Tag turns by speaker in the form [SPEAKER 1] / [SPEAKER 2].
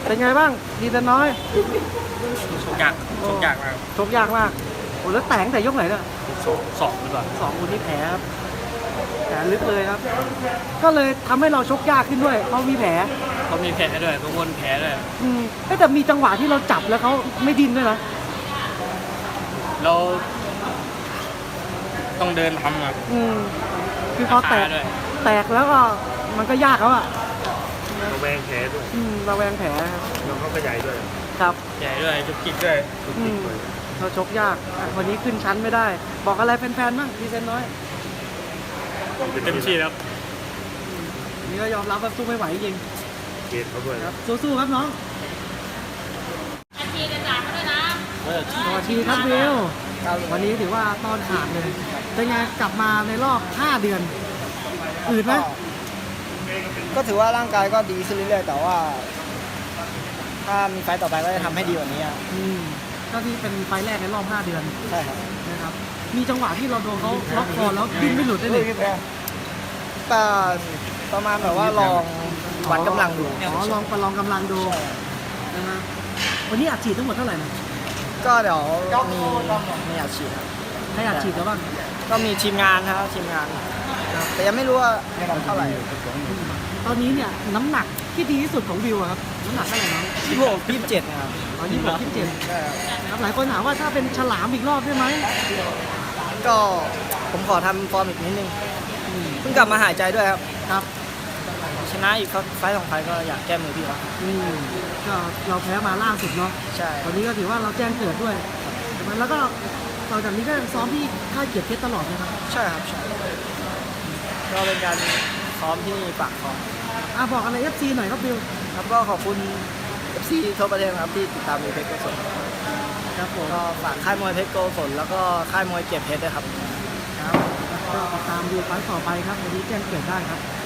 [SPEAKER 1] เป็นไงบ้างดีแต่น้อย
[SPEAKER 2] ชกยากมาก
[SPEAKER 1] ชกยากมากโอ้แล้วแต่งแต่ยกไหนเนี่ย
[SPEAKER 2] สองหรือเปล่า
[SPEAKER 1] 2 คนนี้แผลครับแผลลึกเลยครับ ก็เลยทำให้เราชกยากขึ้นด้วยเพราะมีแผล
[SPEAKER 2] เขามีแผลด้วยทุกคนแผลด้วย
[SPEAKER 1] แต่มีจังหวะที่เราจับแล้วเขาไม่ดิ้นด้วยนะ
[SPEAKER 2] เราต้องเดินทำอ่ะ
[SPEAKER 1] คือพอแตก
[SPEAKER 2] ขาด้วย
[SPEAKER 1] แตกแล้วก็มันก็ยากแล้วอ่ะ
[SPEAKER 3] ระแวงแผลด้วย
[SPEAKER 1] ระแวงแผลครับ
[SPEAKER 3] แล้วเขาก็ใหญ่ด้วย
[SPEAKER 1] ครับ
[SPEAKER 2] ใหญ่ด้วยจุกจิกด้วย
[SPEAKER 3] ทุกทีเลย
[SPEAKER 1] เราชกยากวันนี้ขึ้นชั้นไม่ได้ บอกอะไรแฟนๆบ้างดีเซนน้อย
[SPEAKER 2] เต็มที่แล้ว
[SPEAKER 1] วันนี้ก็ยอมรับว่าสู้ไม่ไหวจริง
[SPEAKER 3] เกณฑ์เขาด้วย
[SPEAKER 1] ครับสู้ๆครับน้อง
[SPEAKER 4] อาชีจะจ่ายเขาด้วยนะ
[SPEAKER 1] สวัสดีครับวิววันนี้ถือว่าตอนขาดเลยเป็นไงกลับมาในรอบ 5 เดือนอืดไหม
[SPEAKER 5] ก็ถือว่าร่างกายก็ดีขึ้นเรื่อยๆ แต่ว่า ถ้ามีไฟต์ต่อไปก็จะทำให้ดีกว่านี้อะ
[SPEAKER 1] ก็ที่เป็นไฟล์แรกในรอบ 5 เดือน
[SPEAKER 5] ใช่ครับ
[SPEAKER 1] นะครับมีจังหวะที่เราโดนเขาล็อกคอแล้วดิ้นไม่หลุดได้เลย
[SPEAKER 5] แต่ประมาณแบบว่าลองวัดกำลังดู
[SPEAKER 1] ลองประลองกำลังดู
[SPEAKER 5] ใช่
[SPEAKER 1] นะฮะวันนี้อัดฉีดทั้งหมดเท่าไหร่นะ
[SPEAKER 5] ก็เดี๋ยวมีอาชีพครับ
[SPEAKER 1] ให้อัดฉีดแล้วบ้าง
[SPEAKER 5] ก็มีทีมงานนะครับทีมงาน แต่ยังไม่รู้ว่าเท่าไหร่
[SPEAKER 1] ตอนนี้เนี่ยน้ำหนักที่ดีที่สุดของวิวอะครับน้ำหนักเท่าไหร่น้อง
[SPEAKER 5] 27นะครับ
[SPEAKER 1] 26 27
[SPEAKER 5] ใช่ครับ
[SPEAKER 1] นะครับหลายคนถามว่าถ้าเป็นฉลามอีกรอบได้ไหม
[SPEAKER 5] ก็ผมขอทำฟอร์มอีกนิดนึงเพิ่งกลับมาหายใจด้วยครับ
[SPEAKER 1] ครับ
[SPEAKER 5] ชนะอีกไฟต์2 ไฟต์ก็อยากแก้มือพี่ครับ
[SPEAKER 1] ก็เราแพ้มาล่าสุดเนาะ
[SPEAKER 5] ใช่
[SPEAKER 1] ตอนนี้ก็ถือว่าเราแจ้งเกิดด้วยแล้วก็ต่อจากนี้ก็ซ้อมที่ค่ายเกียรติเพชรตลอดนะครับ
[SPEAKER 5] ใช่ครับใช่ก็เป็นการซ้อมที่ปากคลอง
[SPEAKER 1] บอกอะไร FC หน่อยครับวิว
[SPEAKER 5] ครับก็ขอบคุณ FC ทั่วประเทศนะครับที่ติดตามมวยเพชรโกศล
[SPEAKER 1] ครับผม
[SPEAKER 5] ก็ฝากค่ายมวยเพชรโกศลแล้วก็ค่ายมวยเกียรติเพชรด้วยครับ
[SPEAKER 1] ครับก็ติดตามดูไฟล์ต่อไปครับวันนี้แจ้งเกิดได้ครับ